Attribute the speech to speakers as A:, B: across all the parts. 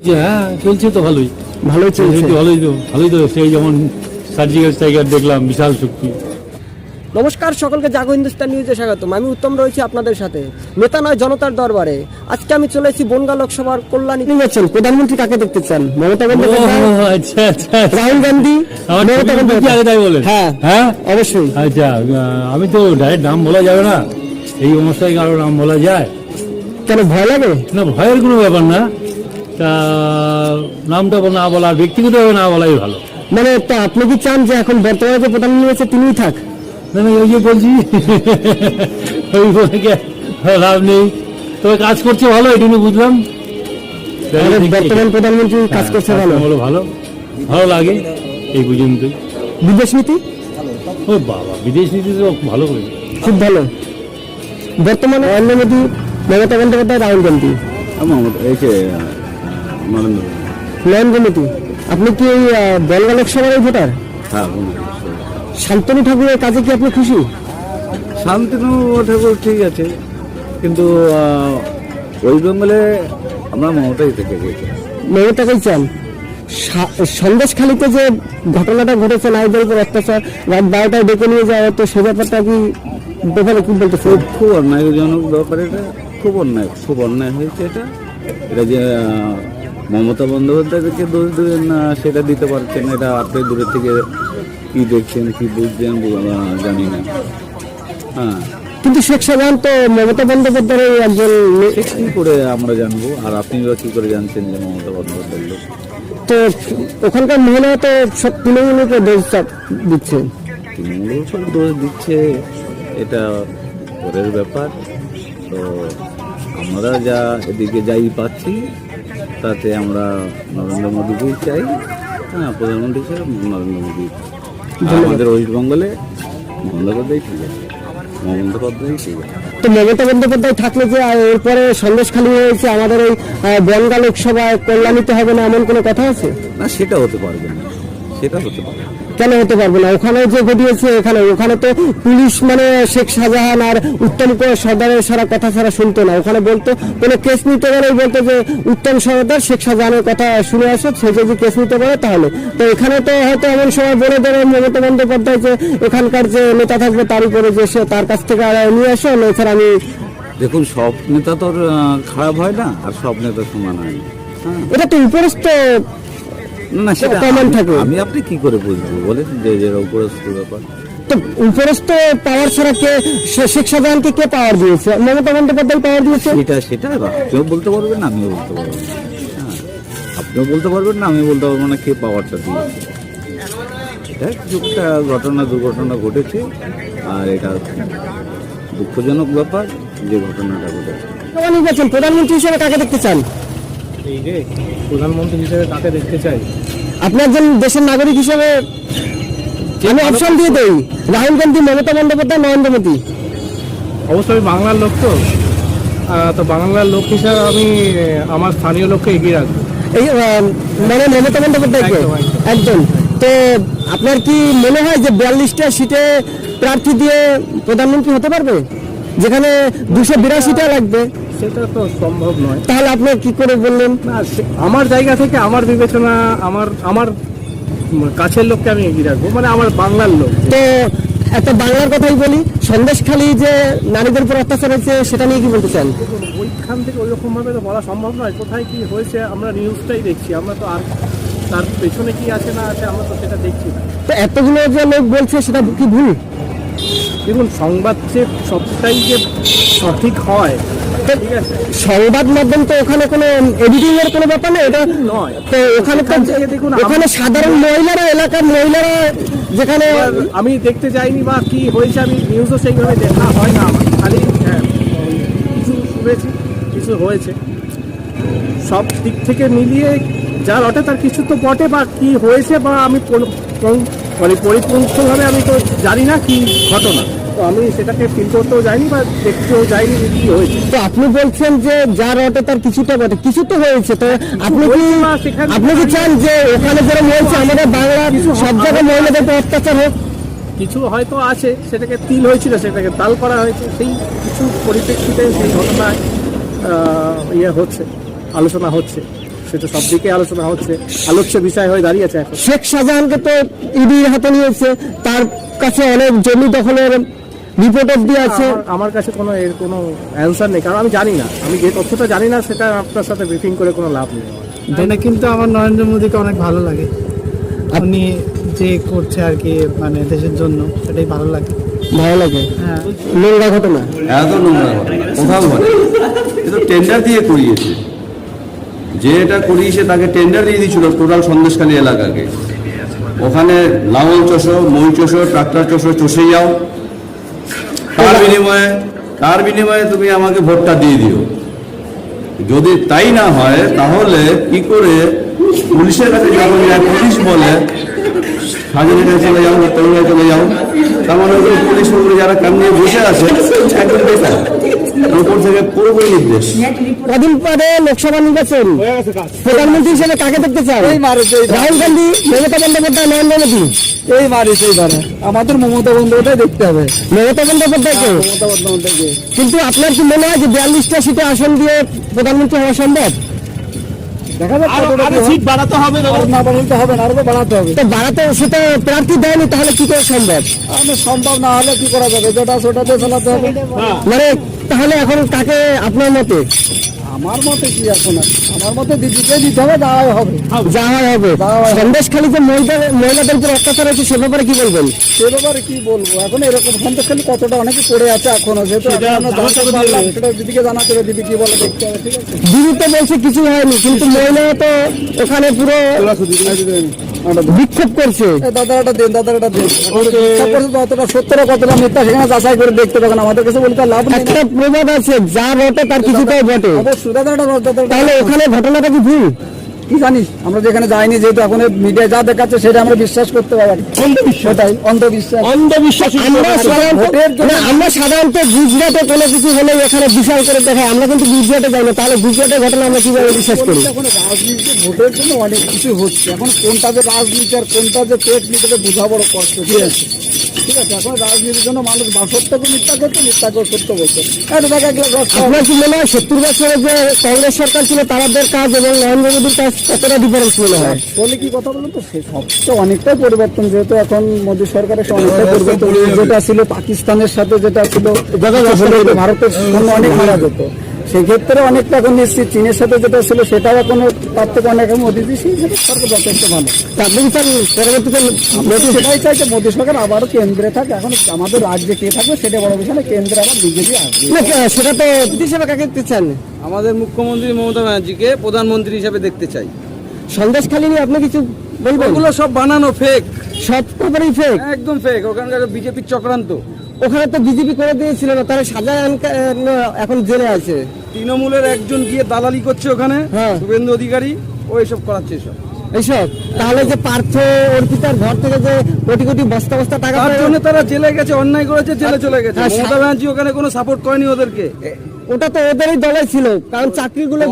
A: হ্যাঁ, চলছে তো ভালোই
B: ভালোই চলছে।
A: ভালোই তো সেই যেমন সার্জিক্যাল স্ট্রাইকার দেখলাম, বিশাল শক্তি।
B: নমস্কার সকলকে, জাগো হিন্দুস্তান নিউজে স্বাগতম। আমি উত্তম রয়েছি আপনাদের সাথে নেতা নয় জনতার দরবারে। আজকে আমি চলে এসেছি বনগাঁ লোকসভার কল্যাণী। নির্বাচন প্রধানমন্ত্রী কাকে দেখতে চান? মমতা বন্দ্যোপাধ্যায়,
A: আচ্ছা আচ্ছা,
B: রাহুল গান্ধী, মমতা বন্দ্যোপাধ্যায়?
A: তাই বলেন?
B: হ্যাঁ
A: হ্যাঁ,
B: অবশ্যই।
A: আচ্ছা, আমি তো ডাইরেক্ট নাম বলা যাবে না, এই অনুষ্ঠানে কারো নাম বলা যায়
B: কেন ভয় লাগে?
A: না, ভয়ের কোনো ব্যাপার না। তা নামটা না বলা, ব্যক্তিগতভাবে না বলাই ভালো।
B: মানে তা আপনি কি চান যে এখন বর্তমানে যে প্রধানমন্ত্রী আছে তিনিই থাক?
A: না না, ওই যে বলছি ওই বলে কি লাভ নেই, তবে কাজ করছে ভালো, এটুকু বুঝলাম।
B: বর্তমান প্রধানমন্ত্রী কাজ করছে ভালো,
A: ভালো ভালো লাগে এই পর্যন্তই।
B: বিদেশ নীতি?
A: ও বাবা, বিদেশ নীতি তো ভালো করে,
B: খুব ভালো। বর্তমানে নরেন্দ্র মোদী, মমতা বন্দ্যোপাধ্যায়, রাহুল গান্ধী, নরেন্দ্র মোদী। আপনি কি এই বনগাঁ লোকসভার ভোটার?
C: হ্যাঁ,
B: শান্তনু ঠাকুরের কাজে কি আপনি খুশি?
C: শান্তনু ঠাকুর ঠিক আছে, কিন্তু ওয়েস্ট বেঙ্গলে আমরা মমতাই থেকে গেছি।
B: মমতাকেই চান? সন্দেশখালীতে যে ঘটনাটা ঘটেছে, নারীদের উপর অত্যাচার, রাত 12টায় ডেকে নিয়ে যাওয়া, তো সে ব্যাপারটা কি ব্যাপারে কি বলতে?
C: খুব অন্যায়জনক ব্যাপার, এটা খুব অন্যায় হয়েছে। এটা যে মমতা বন্দ্যোপাধ্যায়কে দোষ দেবেন না সেটা দিতে পারছেন না, এটা আপনি দূরের থেকে কি দেখছেন কি বুঝছেন জানি না। হ্যাঁ,
B: কিন্তু শেখ শাহজাহান তো মমতা বন্দ্যোপাধ্যায়ের একজন।
C: কি করে আমরা জানবো, আর আপনি বা কি করে জানছেন যে মমতা বন্দ্যোপাধ্যায় লোক?
B: তো ওখানকার মহিলা তো সব তৃণমূলকে দোষ দিচ্ছে।
C: তৃণমূলের উপর দোষ দিচ্ছে, এটা পরের ব্যাপার। তো আমরা যা এদিকে যাই পাচ্ছি তাতে আমরা নরেন্দ্র মোদীকেই চাই। হ্যাঁ, প্রধানমন্ত্রী হিসেবে নরেন্দ্র মোদী। আমাদের ওয়েস্টবেঙ্গলে বন্দ্যোপাধ্যায় ঠিক আছে, বন্দ্যোপাধ্যায় ঠিক আছে।
B: তো মমতা বন্দ্যোপাধ্যায় থাকলে যে এরপরে সন্দেশখালী হয়েছে আমাদের এই বনগাঁ লোকসভায় কল্যাণীতে হবে না, এমন কোনো কথা আছে?
C: না, সেটা হতে পারবে না, সেটা হতে পারবে না।
B: কেন হতে পারবে না? ওখানে যে ঘটিয়েছে, ওখানে তো পুলিশ মানে শেখ শাহজাহান আর উত্তম সর্দারের সারা কথা ছাড়া শুনতো না। ওখানে বলতো কোনো কেস নিতে গেলেই বলতো যে উত্তম সর্দার শেখ শাহজাহানের কথা শুনে আসো, সে যদি কেস নিতে পারে তাহলে। তো এখানে তো হয়তো এমন সময় বলে দেবে মমতা বন্দ্যোপাধ্যায় যে এখানকার যে নেতা থাকবে তার উপরে যে সে তার কাছ থেকে নিয়ে আসো, এছাড়া আমি।
C: দেখুন, সব নেতা তো খারাপ হয় না, আর সব নেতা সমান হয় না। হ্যাঁ,
B: এটা তো উপরস্থ
C: না, সেটা
B: কমন থাকে।
C: আমি আপনি কি করে বুঝবো বলেন যে উপরস্থ ব্যাপার?
B: তো উপরস্থ পাওয়ার ছাড়া কে শেখ শাহজাহানকে কে পাওয়ার দিয়েছে? মমতা বন্দ্যোপাধ্যায় পাওয়ার দিয়েছে।
C: সেটা আপনিও বলতে পারবেন না, আমিও বলতে পারবো না। হ্যাঁ, আপনিও বলতে পারবেন না, আমি বলতে পারবো না কে পাওয়ারটা দিয়েছে। এটা কিছুটা দুর্ঘটনা ঘটেছে, আর এটা দুঃখজনক ব্যাপার যে ঘটনাটা ঘটেছে।
B: নির্বাচন প্রধানমন্ত্রী হিসেবে কাকে দেখতে চান?
D: এই রে, প্রধানমন্ত্রী হিসেবে কাকে দেখতে চাই?
B: আপনি একজন দেশের নাগরিক হিসেবে আমি অপশন দিয়ে দেই, রাহুল গান্ধী, মমতা বন্দ্যোপাধ্যায়, নরেন্দ্র মোদী।
D: অবশ্যই বাংলার লোক তো বাংলার লোক হিসাবে আমি আমার স্থানীয় লোককে এগিয়ে রাখবো।
B: এই মানে মমতা বন্দ্যোপাধ্যায়কে একজন। তো আপনার কি মনে হয় যে 42টা সিটে প্রার্থী দিয়ে প্রধানমন্ত্রী হতে পারবে, যেখানে 282টা লাগবে?
D: সেটা তো সম্ভব নয়।
B: তাহলে আপনি কি করে বললেন?
D: না, আমার জায়গা থেকে আমার বিবেচনা, আমার কাছের লোককে আমি এগিয়ে রাখবো, মানে আমার বাংলার লোক।
B: তো একটা বাংলার কথাই বলি, সন্দেশখালী যে নারীদের উপর অত্যাচার হয়েছে সেটা নিয়ে কি বলতে চান?
D: ওইখান থেকে ওইরকম ভাবে তো বলা সম্ভব নয়, কোথায় কি হয়েছে আমরা নিউজটাই দেখছি, আমরা তো আর তার পেছনে কি আছে না আছে আমরা তো সেটা দেখছি না।
B: তো এতগুলো যে লোক বলছে সেটা কি ভুল?
D: দেখুন, সংবাদ যে সবটাই যে সঠিক হয়, ঠিক আছে,
B: সংবাদ মাধ্যম তো ওখানে কোনো এডিটিং এর কোনো ব্যাপার নেই, এটা
D: নয়।
B: তো ওখানে তো
D: দেখুন,
B: ওখানে সাধারণ মহিলারা, এলাকার মহিলারা, যেখানে
D: আমি দেখতে যাইনি বা কি হয়েছে, আমি নিউজও সেইভাবে দেখা হয় না আমার, খালি কিছু শুনেছি কিছু হয়েছে। সব দিক থেকে মিলিয়ে যা রটে তার কিছু তো বটে, বা কি হয়েছে বা আমি মানে পরিপূর্ণভাবে আমি তো জানি না কি ঘটনা, তো আমি সেটাকে ফিল করতেও যাইনি বা দেখতেও যাইনি কি হয়েছে।
B: তো আপনি বলছেন যে যা রটে তার কিছুটা বটে, কিছু তো হয়েছে। তো আপনি কি চান যে ওখানে যেরকম হয়েছে আমাদের বাংলার সব জায়গায় মহিলাদের উপর অত্যাচার হোক?
D: কিছু হয়তো আছে, সেটাকে তিল হয়েছিল, সেটাকে তাল করা হয়েছে, সেই কিছু পরিপ্রেক্ষিতে সেই ঘটনায় হচ্ছে, আলোচনা হচ্ছে। সেটা সব দিকে আলোচনা হচ্ছে, আলোচ্য বিষয় হয়ে দাঁড়িয়েছে এখন।
B: শেখ শাহজাহানকে তো ইডির হাতে নিয়েছে, তার কাছে অনেক জমি দখলের রিপোর্ট অব্দি আছে।
D: আমার কাছে এর কোনো অ্যান্সার নেই, কারণ আমি জানি না, আমি যে তথ্যটা জানি না সেটা আপনার সাথে ব্রিফিং করে কোনো লাভ নেই।
E: এটা কিন্তু আমার নরেন্দ্র মোদীকে অনেক ভালো লাগে, উনি যে করছে আর কি মানে দেশের জন্য, সেটাই ভালো লাগে।
B: হ্যাঁ, নোংরা ঘটনা,
C: এত নোংরা ঘটনা কোথাও ঘটে, এ তো টেন্ডার দিয়ে করিয়েছে। যে এটা করিয়েছে তাকে টেন্ডার দিয়ে দিয়েছিল টোটাল সন্দেশখালী এলাকাকে। ওখানে লাঙল চষো, মই চষো, ট্রাক্টর চষো, চষে যাও, তার বিনিময়ে তুমি আমাকে ভোটটা দিয়ে দিও। যদি তাই না হয় তাহলে কি করে পুলিশের কাছে যখন যায়, পুলিশ বলে স্বাধীনের কাছে চলে যাও, তরুণের চলে যাও, তার মানে ওই পুলিশ উপরে যারা কাম নিয়ে বসে আছে একদম বেকার, উপর থেকে পুরোপুরি নির্দেশ।
B: কদিন পরে লোকসভা নির্বাচন, প্রধানমন্ত্রী হিসেবে কাকে দেখতে চান? রাহুল গান্ধী, মমতা বন্দ্যোপাধ্যায়, নরেন্দ্র মোদী?
E: আমাদের মমতা বন্দ্যোপাধ্যায় দেখতে হবে।
B: মমতা বন্দ্যোপাধ্যায়কে? কিন্তু আপনার কি মনে হয় যে 42টা সিটে আসন দিয়ে প্রধানমন্ত্রী হওয়া সম্ভব?
E: দেখা যাক সিট বাড়াতে হবে, না বাড়াতে হবে না, আরো বাড়াতে হবে।
B: তো বাড়াতে সেটা প্রার্থী দেয়নি, তাহলে কি করে সম্ভব?
E: সম্ভব না হলে কি করা যাবে, যেটা সেটাতে চালাতে হবে।
B: মানে তাহলে এখন কাকে আপনার মতে?
E: আমার মতে কি এখন, আমার মতে দিদিকে দিতে হবে, যাওয়াই হবে।
B: সন্দেশখালী যে মহিলাদের উপর অত্যাচার হচ্ছে সে ব্যাপারে কি বলবেন?
E: সে ব্যাপারে কি বলবো এখন, এরকম সন্দেশখালী কতটা অনেকে পড়ে আছে এখনো, যেহেতু সেটা দিদিকে জানাতে হবে, দিদি কি বলে দেখতে হবে। ঠিক আছে,
B: দিদি তো বলছে কিছু হয়নি, কিন্তু মহিলা তো ওখানে পুরো বিক্ষোভ করছে।
E: দাদাটা দেন, দাদাটা দেন, কতটা সত্যটা কতটা মিথ্যা সেখানে যাচাই করে দেখতে পাবেন, আমাদের কাছে বলতে লাভ নেই।
B: একটা প্রবাদ আছে, যা বটে তার কিছুটাই বটে। তাহলে ওখানে ঘটনাটা কি ভুল?
E: কি জানিস, আমরা যেখানে যাইনি, যেহেতু এখন মিডিয়া যা দেখাচ্ছে সেটা আমরা বিশ্বাস করতে পারি। সেটাই অন্ধবিশ্বাস।
B: আমরা সাধারণত গুজরাটে কোনো কিছু হলে এখানে বিশাল করে দেখাই, আমরা কিন্তু গুজরাটে যাই না, তাহলে গুজরাটের ঘটনা আমরা কিভাবে বিশ্বাস করি?
E: এখন রাজনীতি ভোটের জন্য অনেক কিছু হচ্ছে, এখন কোনটা যে রাজনীতি আর কোনটা যে পেট নিতে বোঝা বড় কষ্ট। ঠিক আছে, ঠিক আছে, এখন রাজনীতির জন্য মানুষ সত্যকে মিথ্যা করছে, মিথ্যাকে সত্য বলছে।
B: আপনার কি মনে হয় 70 বছরে যে কংগ্রেস সরকার ছিল তাদের কাজ এবং নরেন্দ্র মোদীর কাজ কতটা ডিফারেন্স মনে হয়?
E: বলে কি কথা বলুন তো, সব তো অনেকটাই পরিবর্তন, যেহেতু এখন মোদী সরকারের অনেকটাই পরিবর্তন। যেটা ছিল পাকিস্তানের সাথে, যেটা ছিল ভারতের জন্য অনেক মারা যেত, সেক্ষেত্রে অনেকটা এখন নিশ্চিত। চীনের সাথে যেটা ছিল সেটাও এখন তার থেকে অনেক মোদী সরকার যথেষ্ট ভালো।
B: আপনি কি চান পরবর্তীতে
E: মোদী সেটাই চাইছে, মোদী সরকার আবারও কেন্দ্রে থাকে। এখন আমাদের রাজ্যে কে থাকবে সেটা বড় বিষয় না, কেন্দ্রে আবার বিজেপি আসবে।
B: সেটা তো হিসেবে কাকে দেখতে চান?
F: আমাদের মুখ্যমন্ত্রী মমতা ব্যানার্জিকে প্রধানমন্ত্রী হিসেবে দেখতে চাই।
B: সন্দেশখালী নিয়ে আপনি কিছু বলবেন?
F: ওগুলো সব বানানো, ফেক,
B: সব ব্যাপারেই ফেক,
F: একদম ফেক। ওখানকার বিজেপির চক্রান্ত।
B: ওখানে তো বিজেপি করে দিয়েছিল না, তারা সাজা এখন জেলে আছে।
F: তৃণমূলের একজন গিয়ে দালালি করছে ওখানে, শুভেন্দু অধিকারী, ও এসব করাচ্ছে
B: এইসব। তাহলে যে পার্থ অর্পিতার ঘর থেকে যে কোটি কোটি বস্তা বস্তা টাকা,
F: তার জন্য তারা জেলে গেছে, অন্যায় করেছে, জেলে চলে গেছে। মমতা ব্যানার্জি ওখানে কোনো সাপোর্ট করেনি ওদেরকে।
B: ওটা তো ওদেরই দলে ছিল, কারণ চাকরিগুলো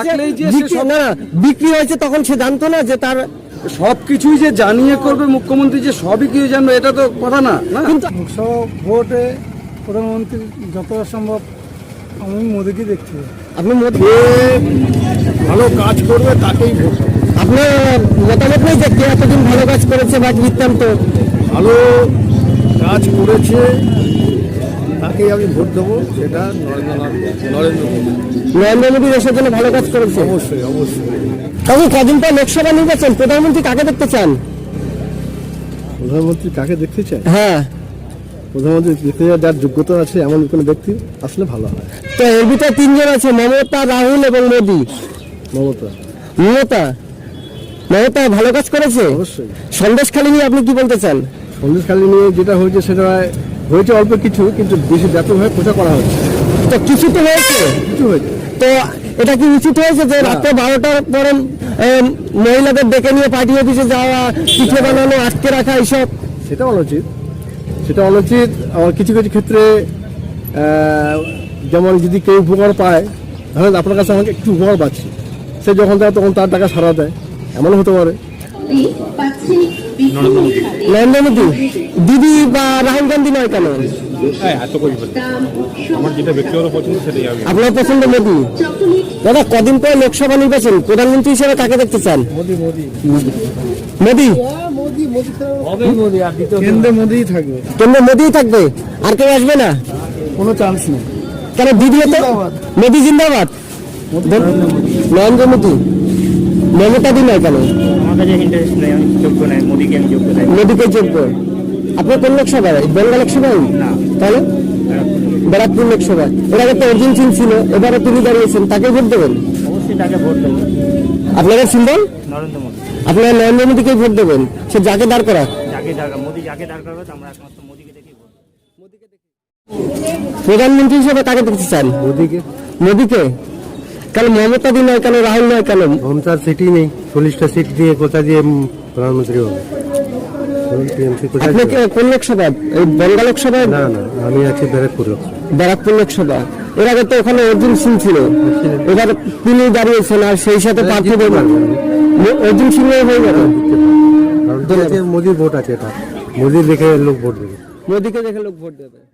B: বিক্রি হয়েছে তখন সে জানতো না যে তার
F: সবকিছুই যে জানিয়ে করবে মুখ্যমন্ত্রী, যে সবই কিছু জানবে, এটা তো কথা না।
B: কিন্তু
E: ভোটে প্রধানমন্ত্রী যত সম্ভব আমি মোদীকে দেখছি।
B: আপনি মোদী
D: ভালো কাজ করবে তাকেই ভোট।
B: আপনার মতামত নেই যে কে এতদিন ভালো কাজ করেছে বা বৃত্তান্ত?
D: ভালো কাজ করেছে তাকেই আমি ভোট দেবো, সেটা নরেন্দ্র মোদী।
B: নরেন্দ্র মোদী দেশের জন্য ভালো কাজ করেছে,
D: অবশ্যই অবশ্যই।
B: তবে কদিন পর লোকসভা নির্বাচন, প্রধানমন্ত্রী কাকে দেখতে চান?
D: প্রধানমন্ত্রী কাকে দেখতে চাই?
B: হ্যাঁ,
D: প্রধানমন্ত্রী দেখতে যার যোগ্যতা আছে এমন কোনো ব্যক্তি আসলে ভালো হয়।
B: তো এর ভিতরে তিনজন আছে, মমতা, রাহুল এবং মোদী। মমতা ভালো কাজ করেছে
D: অবশ্যই।
B: সন্দেশখালী নিয়ে আপনি কি বলতে চান?
D: সন্দেশখালী নিয়ে যেটা হয়েছে সেটা হয়েছে অল্প কিছু, কিন্তু বেশি ব্যাপকভাবে প্রচার করা হচ্ছে।
B: তো কিছু তো হয়েছে,
D: কিছু হয়েছে।
B: তো এটা কি উচিত হয়েছে যে রাত্রে 12টার পরে মহিলাদের ডেকে নিয়ে পার্টি অফিসে যাওয়া, পিঠে বানানো, আটকে রাখা, এইসব?
D: সেটা অনুচিত, সেটা অনুচিত। আর কিছু কিছু ক্ষেত্রে যেমন যদি কেউ উপকার পায়, ধরেন আপনার কাছে আমাকে একটু উপকার পাচ্ছি, সে যখন দেয় তখন তার টাকা সারা দেয়, এমনও হতে পারে।
B: নরেন্দ্র মোদী, দিদি বা রাহুল গান্ধী নয় কেন?
G: হ্যাঁ এত করি আমার যেটা ব্যক্তিগত পছন্দ সেটাই আমি
B: আপনার পছন্দ মোদি? দাদা, কদিন পরে লোকসভা নির্বাচন, প্রধানমন্ত্রী হিসেবে কাকে দেখতে চান? মোদি।
F: কেন্দ্রে মোদিই থাকবে,
B: কেন্দ্রে মোদিই থাকবে, আর কেউ আসবে না?
F: কোনো চান্স নেই।
B: কেন দিদি তো মোদি জিন্দাবাদ, নরেন্দ্র মোদি, মমতা দি নয় কেন?
H: আমার কাছে ইন্টারেস্ট নেই, আমি যোগ্য নাই, মোদিকে আমি যোগ্য নাই।
B: মোদিকে যোগ্য। আপনার কোন লোকসভায়? বেঙ্গল লোকসভায়
H: না,
B: তাহলে ব্যারাকপুর লোকসভায়। এর আগে তো অর্জুন সিং ছিল, এবারে তিনি দাঁড়িয়েছেন, তাকে ভোট দেবেন?
H: অবশ্যই তাকে ভোট দেবো।
B: আপনাদের সিম্বল
H: নরেন্দ্র মোদী।
B: আপনারা নরেন্দ্র মোদীকে ভোট দেবেন, সে যাকে দাঁড় করা।
H: যাকে দরকার, মোদী যাকে দরকার হবে, আমরা একমাত্র মোদীকে দেখি ভোট দেবো।
B: প্রধানমন্ত্রী হিসেবে কাকে দেখতে চান?
I: মোদিকে।
B: মোদীকে? কেন মমতা দি নয় কেন, রাহুল নয় কেন?
I: মমতার সিটই নেই, 40টা সিট দিয়ে কোথা দিয়ে প্রধানমন্ত্রী হবে? টিএমসি কোথায়
B: আপনি
I: যাবে?
B: কোন লোকসভা? এই বেঙ্গল লোকসভায়?
I: না না, আমি আছি ব্যারাকপুর লোক।
B: ব্যারাকপুর লোকসভা। এর আগে তো ওখানে অর্জুন সিং ছিল, এবার তিনি দাঁড়িয়েছেন, আর সেই সাথে প্রার্থী দেবেন অর্জুন সিং হয়ে যাবে।
I: কারণ মোদির ভোট আছে, এটা মোদি দেখে লোক ভোট দেবে।
B: মোদীকে দেখে লোক ভোট দেবে।